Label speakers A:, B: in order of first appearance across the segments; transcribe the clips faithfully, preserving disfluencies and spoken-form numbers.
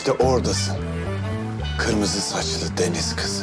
A: İşte oradasın. Kırmızı saçlı deniz kızı.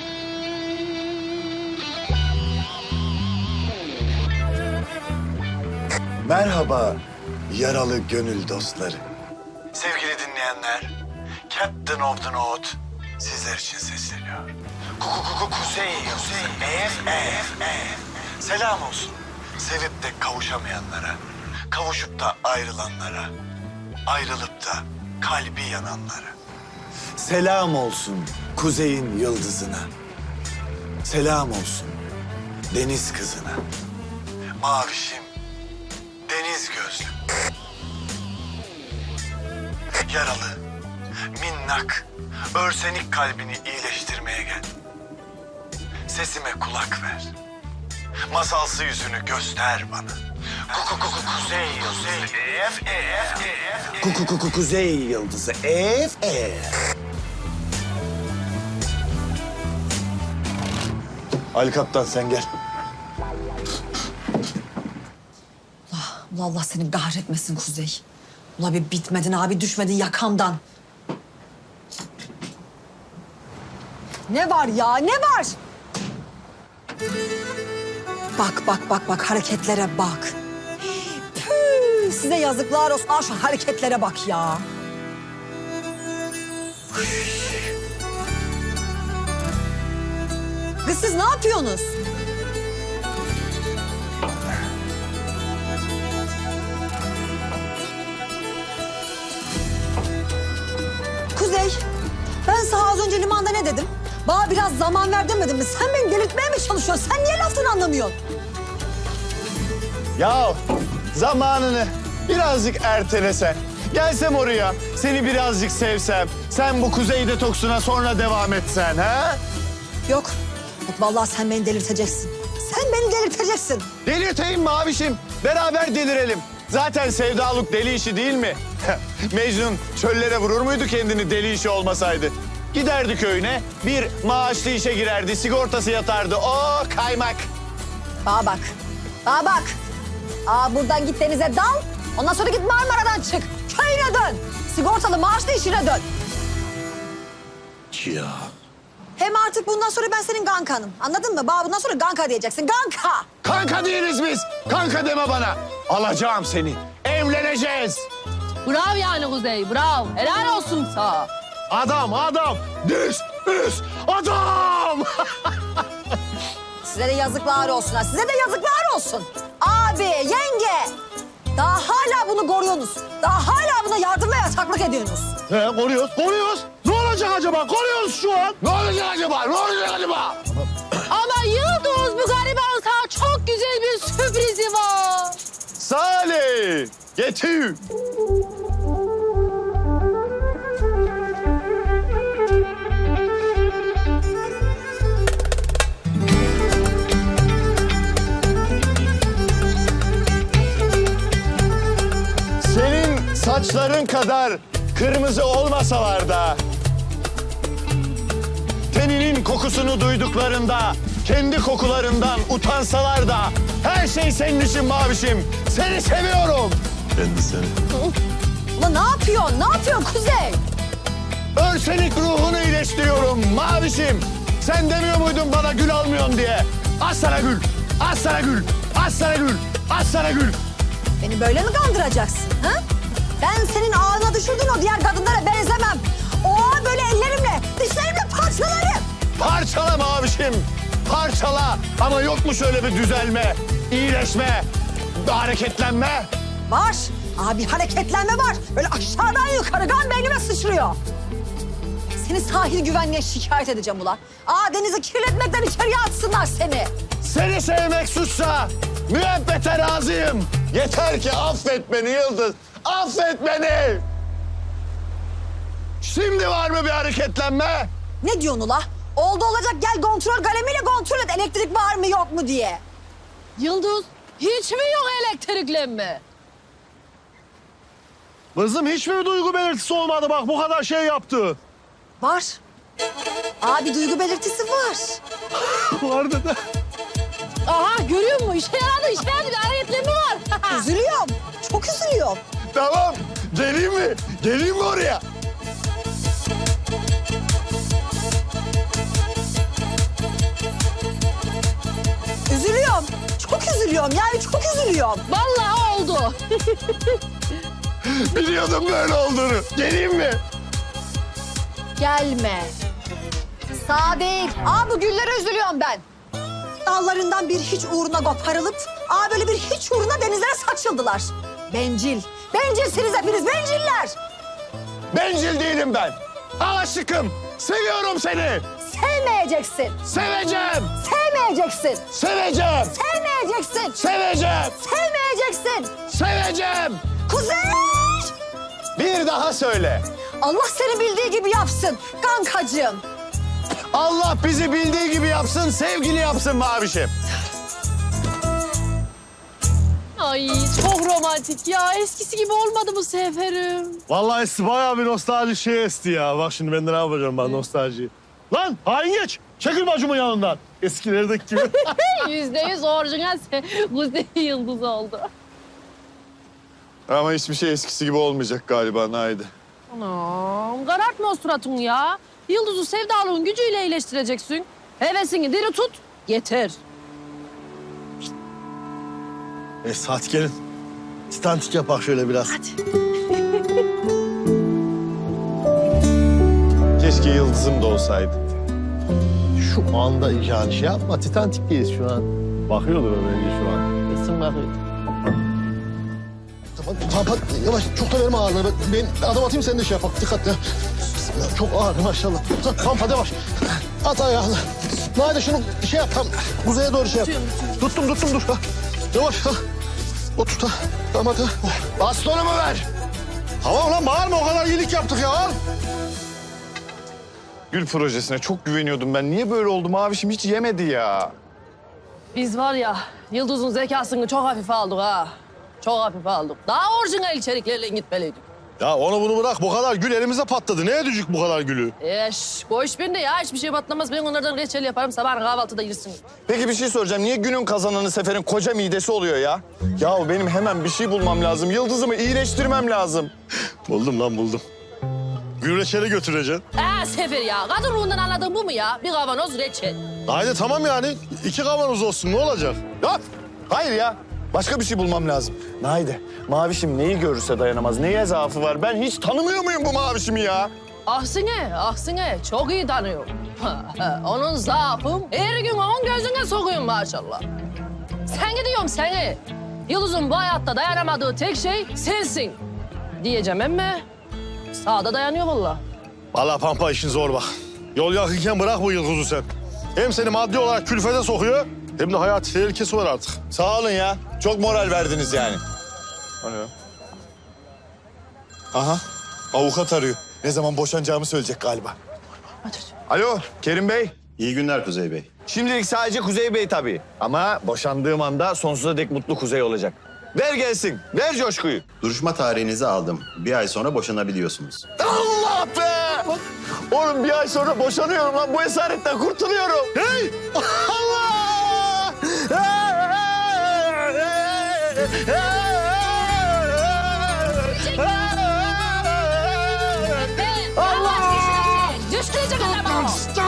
A: Merhaba yaralı gönül dostları. Sevgili dinleyenler, Captain of the North sizler için sesleniyor. Kuku kuku kuzey, kuzey, ef, ef, ef. Selam olsun. Sevip de kavuşamayanlara, kavuşup da ayrılanlara, ayrılıp da kalbi yananlara. Selam olsun kuzeyin yıldızına. Selam olsun deniz kızına. Mavişim, deniz gözlüm. Yaralı, minnak, örsenik kalbini iyileştirmeye gel. Sesime kulak ver. Masalsı yüzünü göster bana. Kuku kuku kuzey yıldızı. Ef ef ef. Kuku kuku kuzey yıldızı. Ef ef. Ali Kaptan sen gel.
B: Allah, Allah seni kahretmesin Kuzey. Ula bir bitmedin abi, düşmedin yakamdan. Ne var ya, ne var? Bak, bak, bak, bak, hareketlere bak. Püh, size yazıklar olsun. Aa, şu hareketlere bak ya. Kız siz ne yapıyorsunuz? Kuzey, ben sana az önce limanda ne dedim? Bana biraz zaman ver demedim mi? Sen beni delirtmeye mi çalışıyorsun? Sen niye laftan anlamıyorsun?
A: Ya zamanını birazcık ertelesen. Gelsem oraya, seni birazcık sevsem. Sen bu kuzey detoksuna sonra devam etsen ha?
B: Yok, yok vallahi sen beni delirteceksin. Sen beni delirteceksin.
A: Delirteyim mi abişim? Beraber delirelim. Zaten sevdalık deli işi değil mi? Mecnun çöllere vurur muydu kendini deli işi olmasaydı? Giderdi köyüne, bir maaşlı işe girerdi, sigortası yatardı. O kaymak.
B: Bana bak, bana bak. Aa, buradan git denize dal. Ondan sonra git Marmara'dan çık. Köyüne dön. Sigortalı maaşlı işine dön.
A: Ya.
B: Hem artık bundan sonra ben senin gankanım. Anladın mı? Bana bundan sonra ganka diyeceksin. Ganka.
A: Kanka değiliz biz. Kanka deme bana. Alacağım seni. Evleneceğiz.
C: Bravo yani Kuzey, bravo. Helal olsun sana.
A: Adam, adam. Düz, düz. Adam.
B: Size de yazıklar olsun ha. Size de yazıklar olsun. Abi, yenge. Daha hala bunu koruyorsunuz. Daha hala buna yardım ve yataklık ediyorsunuz.
A: He, koruyoruz, koruyoruz. Ne olacak acaba? Koruyoruz şu an. Ne olacak acaba? Ne olacak acaba?
C: Ama Yıldız, bu gariban sana çok güzel bir sürprizi var.
A: Salih, getir. Senin saçların kadar kırmızı olmasalar da, teninin kokusunu duyduklarında, kendi kokularından utansalar da, her şey senin için mavişim. Seni seviyorum. Ben de seni.
B: Ulan ne yapıyorsun? Ne yapıyorsun Kuzey?
A: Örsenik ruhunu iyileştiriyorum mavişim. Sen demiyor muydun bana gül almıyorsun diye? Az sana gül, az sana gül, az sana gül, az sana gül.
B: Beni böyle mi kandıracaksın? Ha? Ben senin ağına düşürdüğün o diğer kadınlara benzemem. O böyle ellerimle, dişlerimle parçalarım.
A: Parçala mavişim, parçala. Ama yok mu şöyle bir düzelme, iyileşme, bir hareketlenme?
B: Var. Abi hareketlenme var. Böyle aşağıdan yukarı kan beynime sıçrıyor. Seni sahil güvenliğe şikayet edeceğim ulan. Aa, denizi kirletmekten içeriye atsınlar seni.
A: Seni sevmek suçsa müebbete razıyım. Yeter ki affet beni Yıldız, affet beni. Şimdi var mı bir hareketlenme?
B: Ne diyorsun ula? Oldu olacak gel kontrol kalemiyle kontrol et. Elektrik var mı yok mu diye.
C: Yıldız, hiç mi yok elektriklenme?
D: Kızım hiç mi duygu belirtisi olmadı bak bu kadar şey yaptı.
B: Var. Abi duygu belirtisi var.
D: Vardı da.
C: Aha, görüyor musun? İşe yaradı, işe yaradı. Bir hareketlenme var.
B: Üzülüyorum. Çok üzülüyorum.
A: Tamam, geleyim mi? Geleyim mi oraya?
B: Üzülüyorum. Çok üzülüyorum yani çok üzülüyorum.
C: Vallahi oldu.
A: Biliyordum böyle olduğunu. Geleyim mi?
C: Gelme.
B: Sağ değil. Aa bu güllere üzülüyorum ben. Dallarından bir hiç uğruna koparılıp aa böyle bir hiç uğruna denizlere saçıldılar. Bencil. Bencilsiniz hepiniz benciller.
A: Bencil değilim ben. Aşıkım. Seviyorum seni.
B: Sevmeyeceksin.
A: Seveceğim.
B: Sevmeyeceksin.
A: Seveceğim.
B: Sevmeyeceksin.
A: Seveceğim.
B: Sevmeyeceksin.
A: Seveceğim.
B: Kuzey!
A: Bir daha söyle.
B: Allah seni bildiği gibi yapsın kankacığım.
A: Allah bizi bildiği gibi yapsın, sevgili yapsın Mavişim.
C: Ay çok romantik ya. Eskisi gibi olmadı bu seferim.
D: Vallahi esti bayağı bir nostalji şey esti ya. Bak şimdi ben de ne yapacağım ben nostaljiyi. Lan hain geç. Çekil bacımın yanından. Eskilerdeki gibi.
C: Yüzde yüz orijinal Kuzey Yıldız oldu.
A: Ama hiçbir şey eskisi gibi olmayacak galiba Naide.
C: Anam karartma o suratını ya. Yıldız'ı sevdalığın gücüyle iyileştireceksin. Hevesini diri tut, yeter.
D: Neyse hadi gelin. Stantik yapak şöyle biraz.
A: Keşke Yıldız'ım da olsaydı.
D: Şu anda yani şey yapma. Titantik'teyiz şu an. Bakıyordur o bence şu an.
C: Kesin bakıyor.
E: Tamam, tamam, yavaş. Çok da verme ağırlığı. Ben ben adım atayım sen de şey yap. Bak, dikkatli. Bismillah, çok ağır maşallah. Tamam, hadi yavaş. At ayağını. Nade şunu şey yap. Tam kuzeye doğru şey yap. Tuttum, tuttum, dur. Ha. Yavaş. Ha. O tut. Ha. Tamam, hadi.
A: Bastonumu ver.
D: Tamam lan bağırma o kadar iyilik yaptık ya. Al.
A: Gül projesine çok güveniyordum ben. Niye böyle oldu Mavişim? Hiç yemedi ya.
C: Biz var ya Yıldız'ın zekasını çok hafife aldık ha. Çok hafife aldık. Daha orijinal içeriklerle gitmeliydik.
D: Ya onu bunu bırak. Bu kadar gül elimize patladı. Neye düşük bu kadar gülü?
C: Eş, boş bende ya. Hiçbir şey batlamaz. Ben onlardan reçel yaparım. Sabah kahvaltıda yersin.
A: Peki bir şey soracağım. Niye günün kazananı Sefer'in koca midesi oluyor ya? Ya benim hemen bir şey bulmam lazım. Yıldız'ımı iyileştirmem lazım.
D: Buldum lan buldum. Gül reçeli götüreceksin.
C: Ee Sefer ya. Kadın ruhundan anladığın bu mu ya? Bir kavanoz reçel.
D: Haydi tamam yani. İki kavanoz olsun ne olacak?
A: Ya hayır ya. Başka bir şey bulmam lazım. Naide, Mavişim neyi görürse dayanamaz. Neye zaafı var? Ben hiç tanımıyor muyum bu Mavişimi ya?
C: Aksine, aksine çok iyi tanıyor. Onun zaafım her gün on gözüne sokuyorum maşallah. Sen gidiyorum seni. Yıldız'ın bu hayatta dayanamadığı tek şey sensin. Diyeceğim ama sağda dayanıyor vallahi.
D: Vallahi Pampa işin zor bak. Yol yakınken bırak bu Yıldız'ı sen. Hem seni maddi olarak külfete sokuyor hem de hayat tehlikesi var artık.
A: Sağ olun ya. Çok moral verdiniz yani. O ne ya? Aha, avukat arıyor. Ne zaman boşanacağımı söyleyecek galiba. Alo, Kerim Bey.
F: İyi günler Kuzey Bey.
A: Şimdilik sadece Kuzey Bey tabii. Ama boşandığım anda sonsuza dek mutlu Kuzey olacak. Ver gelsin, ver coşkuyu.
F: Duruşma tarihinizi aldım. Bir ay sonra boşanabiliyorsunuz.
A: Allah be! Oğlum bir ay sonra boşanıyorum lan. Bu esaretten kurtuluyorum.
D: Hey!
A: Allah!
C: Allah! Düştürecek adamı.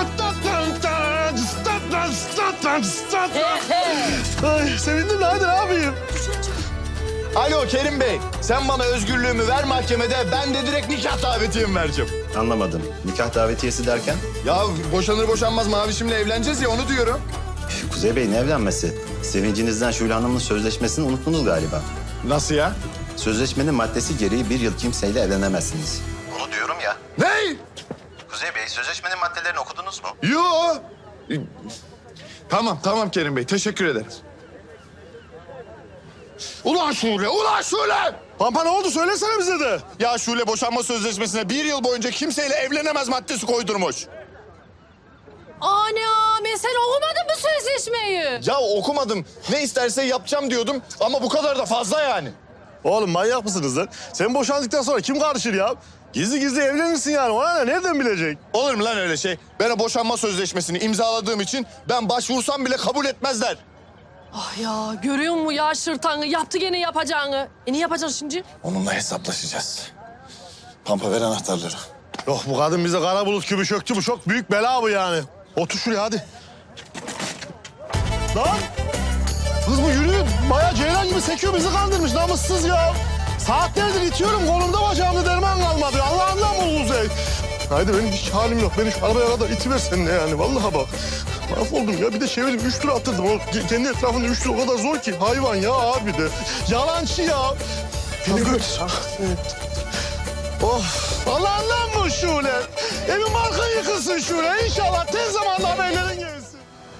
D: Ay, sevindim de hadi ne yapayım?
A: Alo Kerim Bey, sen bana özgürlüğümü ver mahkemede, ben de direkt nikah davetiyemi vereceğim.
F: Anlamadım. Nikah davetiyesi derken?
A: Ya boşanır boşanmaz Mavişim'le evleneceğiz ya, onu diyorum.
F: Kuzey Bey ne evlenmesi? Sevincinizden Şule Hanım'ın sözleşmesini unuttunuz galiba.
A: Nasıl ya?
F: Sözleşmenin maddesi gereği bir yıl kimseyle evlenemezsiniz. Onu diyorum ya.
A: Ne?
F: Kuzey Bey sözleşmenin maddelerini okudunuz mu?
A: Yo. Tamam, tamam Kerim Bey, teşekkür ederim. Ulan Şule, ulan Şule!
D: Pampa ne oldu söylesene bize de.
A: Ya Şule boşanma sözleşmesine bir yıl boyunca kimseyle evlenemez maddesi koydurmuş.
C: Anam sen okumadın mı sözleşmeyi?
A: Ya okumadım, ne isterse yapacağım diyordum ama bu kadar da fazla yani.
D: Oğlum manyak mısınız lan? Sen boşandıktan sonra kim karışır ya? Gizli gizli evlenirsin yani. Ona ne? Nereden bilecek?
A: Olur mu lan öyle şey? Ben o boşanma sözleşmesini imzaladığım için ben başvursam bile kabul etmezler.
C: Ah ya görüyor musun ya şırtanı yaptı gene yapacağını. E ne yapacaksın şimdi?
A: Onunla hesaplaşacağız. Pampa ver anahtarları.
D: Yok bu kadın bize kara bulut gibi çöktü. Bu çok büyük bela bu yani. Otur şuraya hadi. Lan! Kız bu yürüyor. Bayağı ceylan gibi sekiyor. Bizi kandırmış namussuz ya. Saatlerdir itiyorum. Kolumda bacağımda derman kalmadı. Allah'ından bu Kuzey. Haydi benim hiç halim yok. Beni şu arabaya kadar itiver seninle yani. Vallahi bak. Mahvoldum ya. Bir de çevirdim. Üç tur attırdım. O kendi etrafında üç tur o kadar zor ki. Hayvan ya abi de. Yalancı ya. Beni götür. Oh. Allah'ından bu Şule. Evin marka yıkılsın Şule. İnşallah tez zamanda haberlerin gelsin.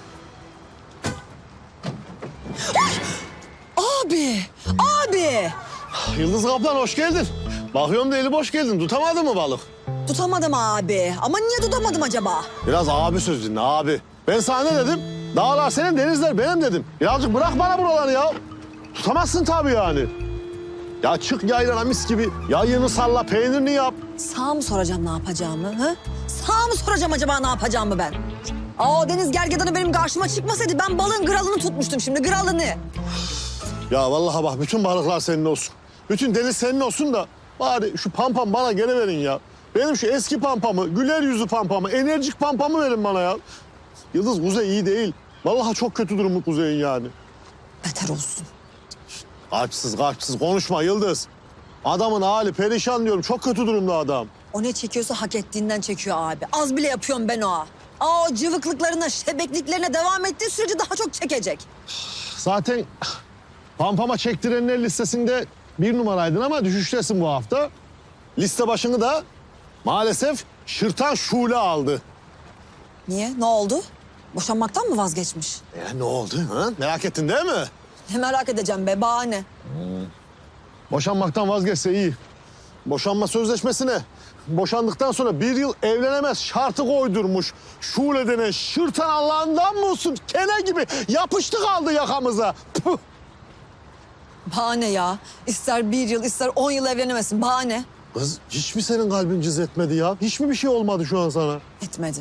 B: Abi, abi.
D: Yıldız Kaplan hoş geldin. Bakıyorum da eli boş geldin. Tutamadın mı balık?
B: Tutamadım abi. Ama niye tutamadım acaba?
D: Biraz abi söz dinle abi. Ben sana ne dedim? Dağlar senin, denizler benim dedim. Birazcık bırak bana buraları ya. Tutamazsın tabii yani. Ya çık yaylana mis gibi. Yayını salla, peynirini yap.
B: Sağ mı soracağım ne yapacağımı? Hı? Sağ mı soracağım acaba ne yapacağımı ben? Aa, o deniz gergedanı benim karşıma çıkmasaydı ben balığın gralını tutmuştum şimdi, gralını.
D: Ya vallahi bak bütün balıklar senin olsun. Bütün deniz senin olsun da bari şu pampam bana gene verin ya. Benim şu eski pampamı, güler yüzlü pampamı, enerjik pampamı verin bana ya. Yıldız Kuzey iyi değil. Vallahi çok kötü durumu Kuzey'in yani.
B: Beter olsun.
D: Kalpsiz kalpsiz konuşma Yıldız. Adamın hali perişan diyorum. Çok kötü durumda adam.
B: O ne çekiyorsa hak ettiğinden çekiyor abi. Az bile yapıyorum ben o. Aa, o cıvıklıklarına, şebekliklerine devam ettiği sürece daha çok çekecek.
D: Zaten pampama çektirenler listesinde bir numaraydın ama düşüştesin bu hafta. Liste başını da maalesef Şırtan Şule aldı.
B: Niye? Ne oldu? Boşanmaktan mı vazgeçmiş?
D: E, ne oldu? Ha? Merak ettin değil mi?
B: Ne merak edeceğim be, bahane.
D: Boşanmaktan vazgeçse iyi. Boşanma sözleşmesine boşandıktan sonra bir yıl evlenemez şartı koydurmuş. Şule denen Şırtan Allah'ından mı olsun? Kene gibi yapıştı kaldı yakamıza. Puh!
B: Bahane ya. İster bir yıl, ister on yıl evlenemesin. Bahane.
D: Kız hiç mi senin kalbin cız etmedi ya? Hiç mi bir şey olmadı şu an sana?
B: Etmedi.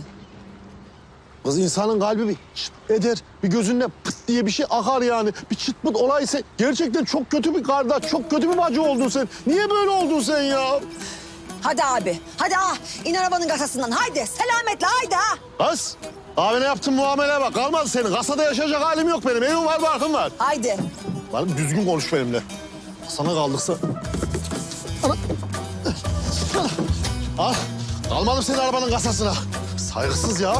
D: Kız insanın kalbi bir çıt eder, bir gözünde pıt diye bir şey akar yani. Bir çıt pıt olaysa gerçekten çok kötü bir kardeş, çok kötü bir bacı oldun sen. Niye böyle oldun sen ya?
B: Hadi abi. Hadi ah. İn arabanın kasasından. Haydi. Selametle haydi ha.
D: Kız, abine yaptığın muameleye bak. Kalmadı senin. Kasada yaşayacak halim yok benim. Evim var, barkım var.
B: Haydi.
D: Bana düzgün konuş benimle. Sana kaldıksa... Ana. Al. Kalmadım senin arabanın kasasına. Saygısız ya.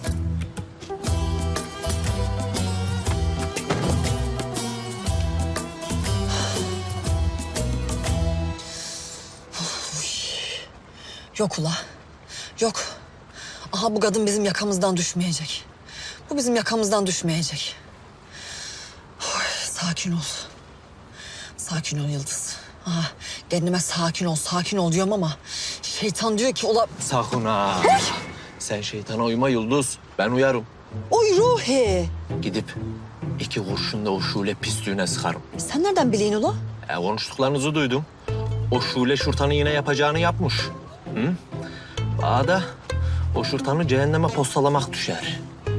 B: Yok ula. Yok. Aha bu kadın bizim yakamızdan düşmeyecek. Bu bizim yakamızdan düşmeyecek. Oy, sakin ol. Sakin ol Yıldız. Aha, kendime sakin ol, sakin ol diyorum ama şeytan diyor ki ula...
G: Sakın ha. Sen şeytana uyma Yıldız. Ben uyarım.
B: Oy Ruhi.
G: Gidip iki kurşun da o Şule pisliğine sıkarım.
B: Sen nereden biliyorsun ula?
G: E, konuştuklarınızı duydum. O Şule Şurtan'ı yine yapacağını yapmış. Hı? Bana da o Şurtan'ı cehenneme postalamak düşer.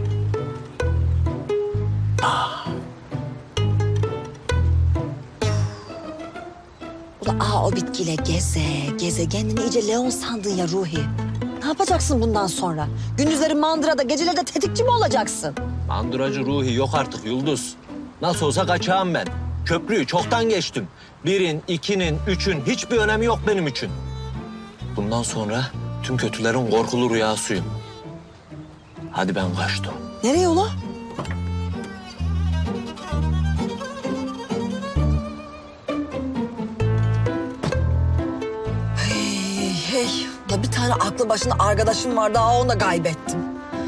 B: Ula aa o bitkiyle geze, geze. Kendini iyice Leon sandın ya Ruhi. Ne yapacaksın bundan sonra? Gündüzleri mandırada, geceleri de tetikçi mi olacaksın?
G: Manduracı Ruhi yok artık Yıldız. Nasıl olsa kaçağım ben. Köprüyü çoktan geçtim. Birin, ikinin, üçün hiçbir önemi yok benim için. Bundan sonra tüm kötülerin korkulu rüyasıyım. Hadi ben kaçtım.
B: Nereye ula? Hey hey. Ula bir tane aklı başında arkadaşım vardı. Aa, onu da kaybettim.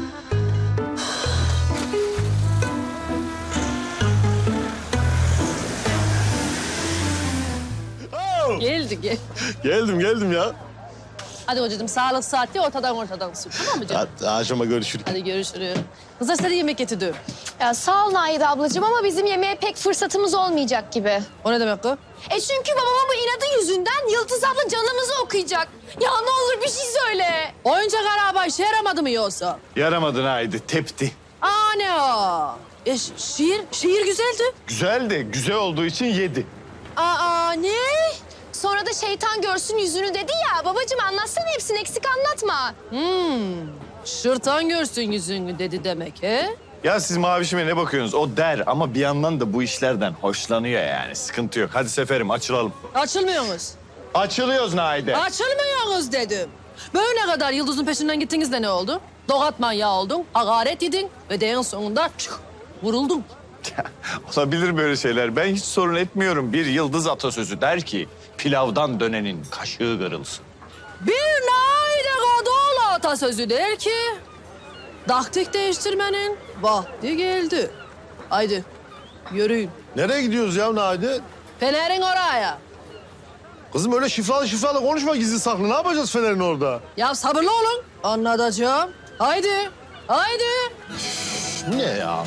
D: Oh!
C: Geldi gel.
D: Geldim, geldim ya.
C: Hadi hocacığım sağlık saati ortadan ortadan sür. Tamam mı canım?
D: Hadi akşama görüşürüz.
C: Hadi görüşürüz. Kızlar size de yemek getirdim.
H: Ya sağ ol Naide ablacığım ama bizim yemeğe pek fırsatımız olmayacak gibi.
C: O ne demek o?
H: E çünkü babama bu inadı yüzünden Yıldız abla canımızı okuyacak. Ya ne olur bir şey söyle.
C: Oyuncak araba işe yaramadı mı yoksa?
A: Yaramadın haydi, tepti.
C: Aa ne o? E, ş- şiir, şiir güzeldi.
A: Güzel de güzel olduğu için yedi.
C: Aa ne?
H: Sonra da şeytan görsün yüzünü dedi ya. Babacığım anlatsana hepsini eksik anlatma.
C: Hmm, şırtan görsün yüzünü dedi demek he?
A: Ya siz mavişime ne bakıyorsunuz? O der ama bir yandan da bu işlerden hoşlanıyor yani. Sıkıntı yok. Hadi Seferim açılalım.
C: Açılmıyorsunuz.
A: Açılıyoruz Naide.
C: Açılmıyorsunuz dedim. Böyle kadar Yıldız'ın peşinden gittiniz de ne oldu? Dogat manyağı oldun, hakaret yedin ve de en sonunda çık, vuruldun.
A: Olabilir böyle şeyler. Ben hiç sorun etmiyorum. Bir Yıldız atasözü der ki pilavdan dönenin kaşığı kırılsın.
C: Bir naide kadıoğlu atasözü der ki taktik değiştirmenin vakti geldi. Haydi yürüyün.
D: Nereye gidiyoruz ya Naide?
C: Fener'in oraya.
D: Kızım öyle şifralı şifralı konuşma gizli saklı. Ne yapacağız Fener'in orada?
C: Ya sabırlı olun. Anlatacağım. Haydi. Haydi.
D: Bu ne ya?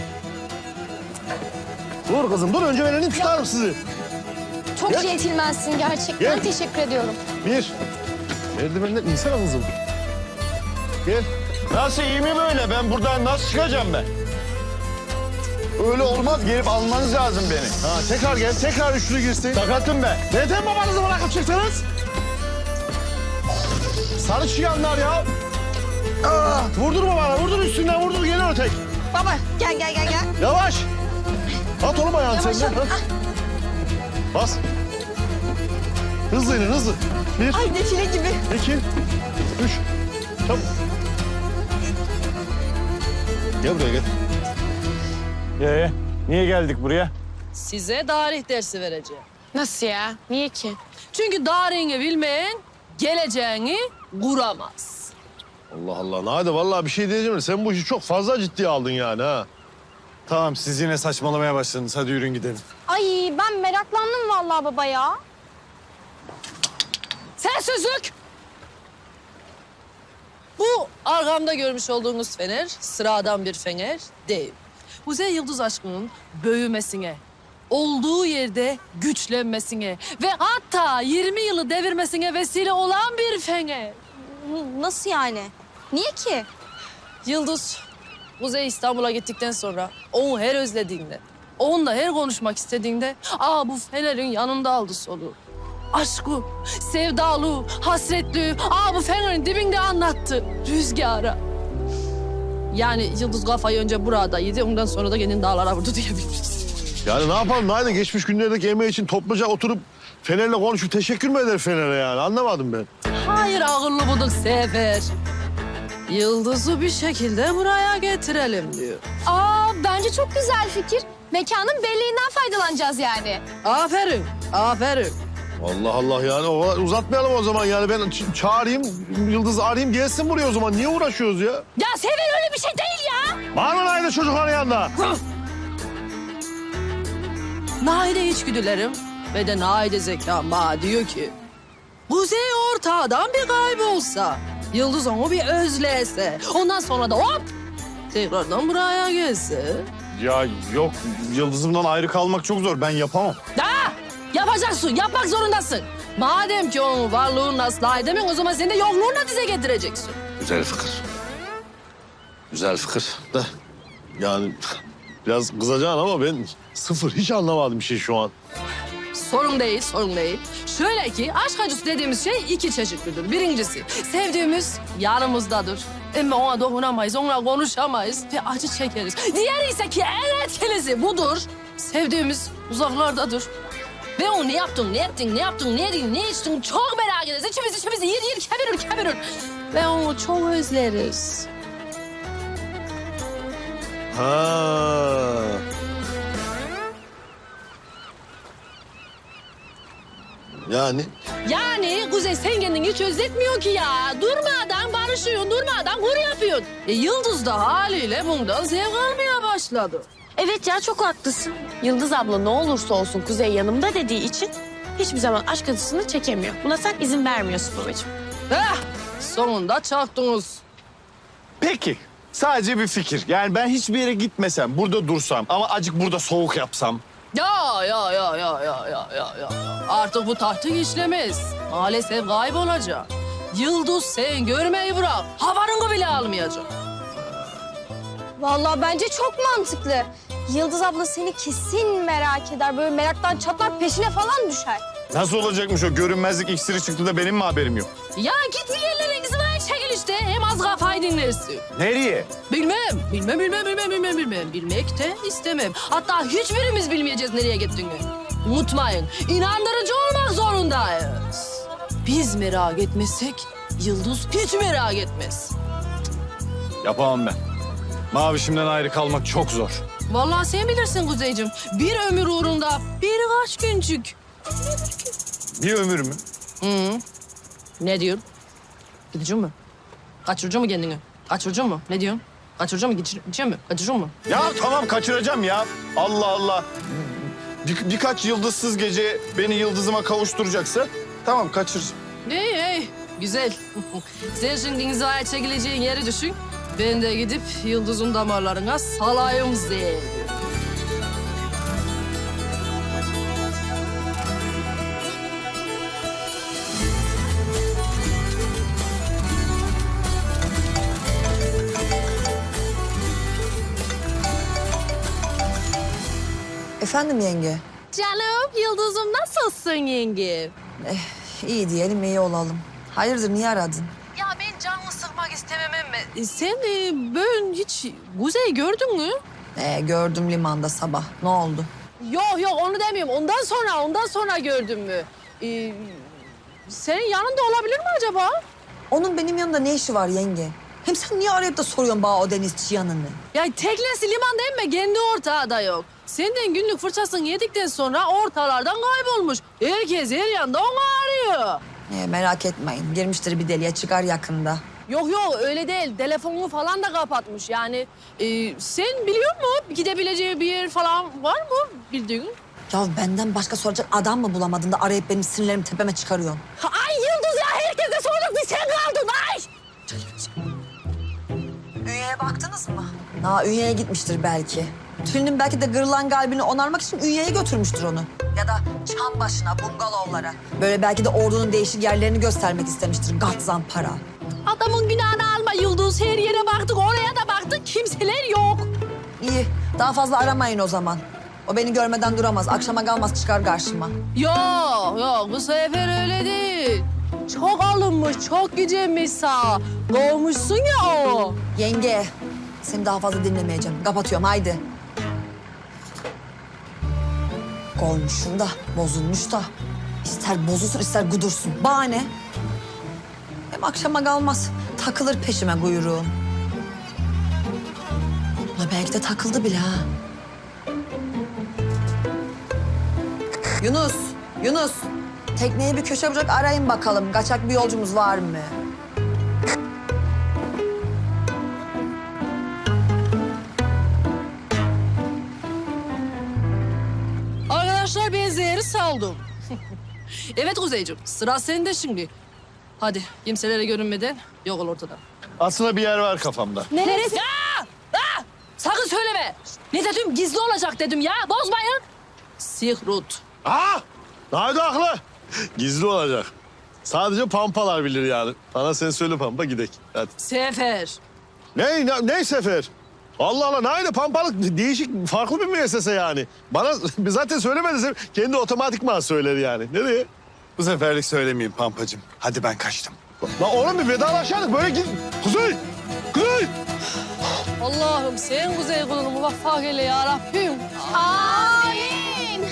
D: Dur kızım dur önce ben elini tutarım sizi.
H: Çok
D: Gel.
H: centilmensin gerçekten.
D: Gel.
H: Teşekkür ediyorum.
D: Bir. Merdivenden insene kızım. Gel.
A: Nasıl iyi mi böyle? Ben buradan nasıl çıkacağım ben? Öyle olmaz. Gelip almanız lazım beni.
D: Ha tekrar gel. Tekrar üçlü girsin.
A: Sakatım ben.
D: Neden babanızı bırakıp çıktınız? Sarı çıyanlar ya. Ah, vurdurma bana. Vurdur üstünden vurdur. Geliyor o tek.
B: Baba gel gel gel gel.
D: Yavaş. At oğlum ayağını
B: Yavaş,
D: sen de.
B: yavaş.
D: Ha. Bas. Hızlı inin hızlı. Bir,
B: Ay defile gibi.
D: iki, üç. Çabuk. Gel buraya gel.
A: Ee, niye geldik buraya?
C: Size tarih dersi vereceğim.
H: Nasıl ya? Niye ki?
C: Çünkü tarihini bilmeyen geleceğini kuramaz.
D: Allah Allah. Nade vallahi bir şey diyeceğim. de Sen bu işi çok fazla ciddiye aldın yani ha.
A: Tamam siz yine saçmalamaya başladınız. Hadi yürüyün gidelim.
H: Ay ben meraklandım vallahi baba ya.
C: Sessizlik! Bu arkamda görmüş olduğunuz fener sıradan bir fener değil. Kuzey Yıldız aşkının büyümesine, olduğu yerde güçlenmesine ve hatta yirmi yılı devirmesine vesile olan bir fener.
H: Nasıl yani? Niye ki?
C: Yıldız, Kuzey İstanbul'a gittikten sonra onu her özlediğinde, onunla her konuşmak istediğinde aa bu fenerin yanında aldı soluğu. Aşkı, sevdalı, hasretli, aa bu fenerin dibinde anlattı rüzgara. Yani Yıldız kafayı önce burada yedi, ondan sonra da kendini dağlara vurdu diyebiliriz.
D: Yani ne yapalım Nade? Geçmiş günlerdeki emeği için topluca oturup Fener'le konuşup teşekkür mü eder Fener'e yani? Anlamadım ben.
C: Hayır ağırlı buduk sefer. Yıldız'ı bir şekilde buraya getirelim diyor.
H: Aa bence çok güzel fikir. Mekanın belleğinden faydalanacağız yani.
C: Aferin, aferin.
D: Allah Allah yani o kadar uzatmayalım o zaman yani ben ç- çağırayım Yıldız'ı arayayım gelsin buraya o zaman. Niye uğraşıyoruz ya?
C: Ya Sefer öyle bir şey değil ya.
D: Bağırma Nade çocukların yanında.
C: Naide içgüdülerim ve de naide zekam bana diyor ki... Kuzey ortağdan bir kaybolsa, Yıldız onu bir özlese, ondan sonra da hop tekrardan buraya gelse...
A: Ya yok Yıldız'ımdan ayrı kalmak çok zor. Ben yapamam.
C: Da yapacaksın, yapmak zorundasın. Madem ki onun varlığını asla edemiyorsun, o zaman sen de yokluğunu da dize getireceksin.
D: Güzel fikir. Güzel fikir de yani biraz kızacaksın ama ben sıfır hiç anlamadım bir şey şu an.
C: Sorun değil, sorun değil. Şöyle ki aşk acısı dediğimiz şey iki çeşitlidir. Birincisi sevdiğimiz yanımızdadır. Ama ona dokunamayız, onunla konuşamayız ve acı çekeriz. Diğeri ise ki en etkilisi budur. Sevdiğimiz uzaklardadır. Ve o ne yaptın, ne yaptın, ne yaptın, ne yedin, ne içtin çok merak ederiz. İçimiz içimiz yer yer kevirir kevirir. Ve onu çok özleriz.
D: Ha. Yani
C: Yani Kuzey sen kendini hiç özletmiyor ki ya. Durmadan barışıyorsun, durmadan kur yapıyorsun. E, Yıldız da haliyle bundan zevk almaya başladı.
I: Evet ya çok haklısın. Yıldız abla ne olursa olsun Kuzey yanımda dediği için hiçbir zaman aşk acısını çekemiyor. Buna sen izin vermiyorsun babacığım.
C: Heh, sonunda çaktınız.
A: Peki. Sadece bir fikir. Yani ben hiçbir yere gitmesem, burada dursam ama acık burada soğuk yapsam.
C: Ya ya ya ya ya ya ya ya. Artık bu taktik işlemez. Maalesef kaybolacak. Yıldız sen görmeyi bırak. Havarını bile almayacak.
H: Vallahi bence çok mantıklı. Yıldız abla seni kesin merak eder. Böyle meraktan çatlar peşine falan düşer.
A: Nasıl olacakmış o? Görünmezlik iksiri çıktı da benim mi haberim yok?
C: Ya git bir yerlere inzivaya çekil işte. Hem az kafayı dinlersin.
A: Nereye?
C: Bilmem, bilmem, bilmem, bilmem, bilmem, bilmem. Bilmek de istemem. Hatta hiçbirimiz bilmeyeceğiz nereye gittiğini. Unutmayın, inandırıcı olmak zorundayız. Biz merak etmezsek, Yıldız hiç merak etmez.
A: Yapamam ben. Mavişimden ayrı kalmak çok zor.
C: Vallahi sen bilirsin Kuzeyciğim. Bir ömür uğrunda birkaç güncük.
A: Bir ömür mü?
C: Hı. Ne diyorsun? Gideceğim mi? Kaçıracağım mı kendini? Kaçıracağım mı? Ne diyorsun? Kaçıracağım mı? Gideceğim mi? Kaçıracağım mı?
A: Ya tamam kaçıracağım ya. Allah Allah. Bir, birkaç yıldızsız gece beni yıldızıma kavuşturacaksa tamam kaçır.
C: İyi, iyi. Güzel. Sen şimdi inzivaya çekileceğin yeri düşün. Ben de gidip Yıldız'ın damarlarına salayım zehri.
B: Efendim yenge?
C: Canım, Yıldız'ım nasılsın yenge?
B: İyi diyelim, iyi olalım. Hayırdır, niye aradın?
C: Ya ben canını sıkmak istemem ama... E, sen e, ben hiç Kuzey gördün mü?
B: Ee, gördüm limanda sabah. Ne oldu?
C: Yok yok onu demiyorum. Ondan sonra, ondan sonra gördün mü? Ee, senin yanında olabilir mi acaba?
B: Onun benim yanımda ne işi var yenge? Hem sen niye arayıp da soruyorsun bana o denizçi yanını?
C: Ya teknesi limanda emme kendi ortağı da yok. Senden günlük fırçasını yedikten sonra ortalardan kaybolmuş. Herkes her yanda onu arıyor.
B: Ee, merak etmeyin. Girmiştir bir deliğe, çıkar yakında.
C: Yok yok öyle değil. Telefonunu falan da kapatmış. Yani e, sen biliyor musun gidebileceği bir yer falan var mı bildiğin?
B: Ya benden başka soracak adam mı bulamadın da arayıp benim sinirlerimi tepeme çıkarıyorsun?
C: Ay Yıldız ya herkese sorduk bir sen kaldın ay.
B: Ünyeye baktınız mı? Ha, Ünye'ye gitmiştir belki. Tülin'in belki de kırılan kalbini onarmak için Ünye'ye götürmüştür onu. Ya da çam başına, bungalovlara. Böyle belki de ordunun değişik yerlerini göstermek istemiştir. Gat zampara.
C: Adamın günahını alma Yıldız. Her yere baktık, oraya da baktık. Kimseler yok.
B: İyi, daha fazla aramayın o zaman. O beni görmeden duramaz. Akşama kalmaz çıkar karşıma.
C: Yok, yok. Bu sefer öyle değil. Çok alınmış, çok gücenmiş sağ. Kovmuşsun ya o.
B: Yenge, seni daha fazla dinlemeyeceğim. Kapatıyorum, haydi. Kovmuşsun da, bozulmuş da. İster bozulsun, ister gudursun. Bahane. Hem akşama kalmaz. Takılır peşime kuyruğum. Ulan belki de takıldı bile ha. Yunus, Yunus. Tekneyi bir köşe bırak arayın bakalım. Kaçak bir yolcumuz var mı?
C: Arkadaşlar ben zehri saldım. Evet Kuzeyciğim, sıra sende şimdi. Hadi kimselere görünmeden yok ol ortadan.
A: Aslında bir yer var kafamda.
C: Neresi? Ya! Ah! Sakın söyleme. Ne dedim? Gizli olacak dedim ya. Bozmayın. Sihrut.
D: Aa! Naydi haklı. Gizli olacak. Sadece pampalar bilir yani. Bana sen söyle Pampa gidek. Hadi.
C: Sefer.
D: Ne, ne, ne sefer? Allah Allah naydi pampalık değişik farklı bir müessese yani. Bana zaten söylemedi. Kendi otomatikman söyler yani. Nereye?
A: Bu seferlik söylemeyeyim Pampacığım. Hadi ben kaçtım.
D: Lan oğlum bir vedalaşalım böyle git. Kuzey! Kuzey!
C: Allah'ım sen Kuzey kulunu muvaffak eyle ya Rabbim.
H: Amin.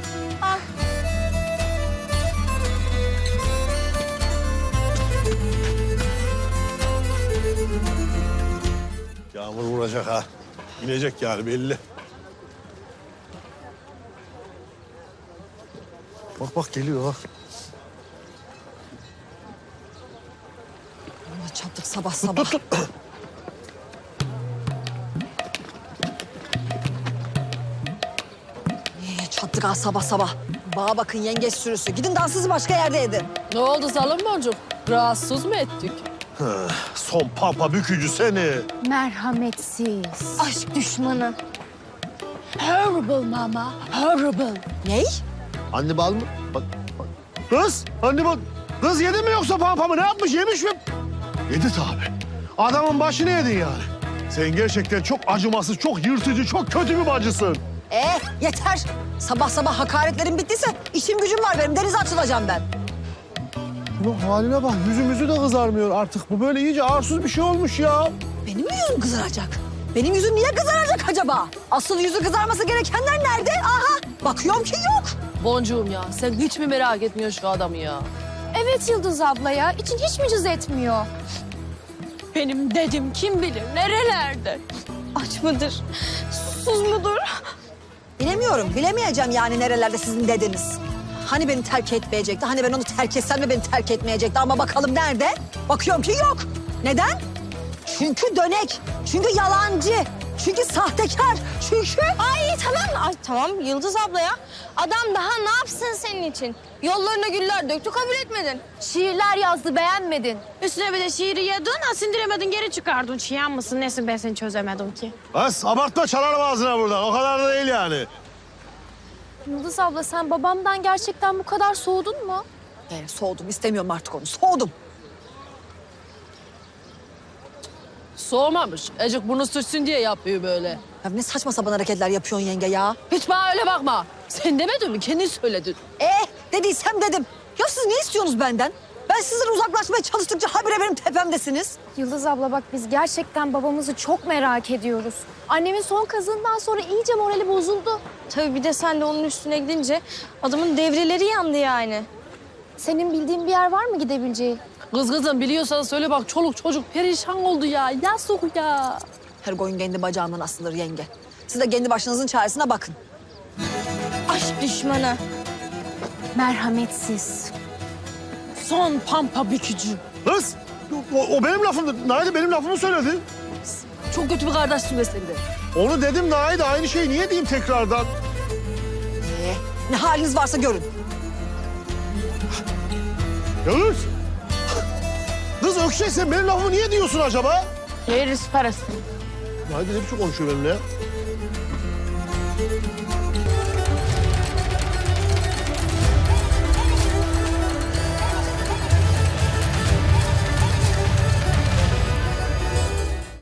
D: Yağmur vuracak ha. İnecek yani belli. Bak bak geliyor bak.
B: Allah çattık sabah sabah. Niye çattık ha sabah sabah? Bana bakın yengeç sürüsü. Gidin dansınızı başka yerde edin.
C: Ne oldu Zalım Boncuk? Rahatsız mı ettik?
D: Son pampa bükücü seni.
H: Merhametsiz. Aşk düşmanı. Horrible mama, horrible.
B: Ney?
D: Anne bal mı? Bak, bak. Kız, anne bal. Kız yedi mi yoksa pampamı ne yapmış yemiş mi? Yedi tabii. Adamın başını yedin yani. Sen gerçekten çok acımasız, çok yırtıcı, çok kötü bir bacısın.
B: Ee, yeter. Sabah sabah hakaretlerim bittiyse işim gücüm var benim. Denize açılacağım ben.
D: Bunun haline bak. Yüzümüzü de kızarmıyor artık. Bu böyle iyice arsuz bir şey olmuş ya.
B: Benim mi yüzüm kızaracak? Benim yüzüm niye kızaracak acaba? Asıl yüzü kızarması gerekenler nerede? Aha, bakıyorum ki yok.
C: Boncuğum ya sen hiç mi merak etmiyorsun şu adamı ya?
H: Evet Yıldız abla ya. İçin hiç mi cız etmiyor?
I: Benim dedim kim bilir nerelerde?
H: Aç mıdır? Susuz mudur?
B: Bilemiyorum, bilemeyeceğim yani nerelerde sizin dediniz. Hani beni terk etmeyecekti, hani ben onu terk etsem de beni terk etmeyecekti. Ama bakalım nerede? Bakıyorum ki yok. Neden? Çünkü dönek, çünkü yalancı, çünkü sahtekar, çünkü...
H: Ay tamam, ay tamam Yıldız abla ya. Adam daha ne yapsın senin için? Yollarına güller döktü, kabul etmedin. Şiirler yazdı, beğenmedin.
I: Üstüne bir de şiiri yedin, ha sindiremedin geri çıkardın. Çiyan mısın nesin ben seni çözemedim ki.
D: Bas abartma çalarım ağzına buradan. O kadar da değil yani.
H: Yıldız abla sen babamdan gerçekten bu kadar soğudun mu?
B: Ee, soğudum, istemiyorum artık onu, soğudum.
C: Soğumamış. Ecik bunu sürtsün diye yapıyor böyle.
B: Ya ne saçma sapan hareketler yapıyorsun yenge ya.
C: Hiç bana öyle bakma. Sen demedin mi? Kendin söyledin.
B: Eh, dediysem dedim. Ya siz ne istiyorsunuz benden? Ben sizden uzaklaşmaya çalıştıkça habire benim tepemdesiniz.
H: Yıldız abla bak biz gerçekten babamızı çok merak ediyoruz. Annemin son kazığından sonra iyice morali bozuldu. Tabii bir de sen de onun üstüne gidince adamın devreleri yandı yani. Senin bildiğin bir yer var mı gidebileceği?
C: Kız kızım biliyorsan söyle bak çoluk çocuk perişan oldu ya. Yazık ya.
B: Her koyun kendi bacağından asılır yenge. Siz de kendi başınızın çaresine bakın.
H: Aşk düşmanı. Merhametsiz.
C: Son pampa bükücü.
D: Kız o, o benim lafımdı. Naide benim lafımı söyledi.
C: Çok kötü bir kardeşsin be sen de.
D: Onu dedim Naide. Aynı şeyi niye diyeyim tekrardan?
B: Ee, ne haliniz varsa görün.
D: Yalnız. Kız Ökşe sen benim lafımı niye diyorsun acaba?
I: Veririz parasını.
D: Naide ne biçim konuşuyor benimle ya?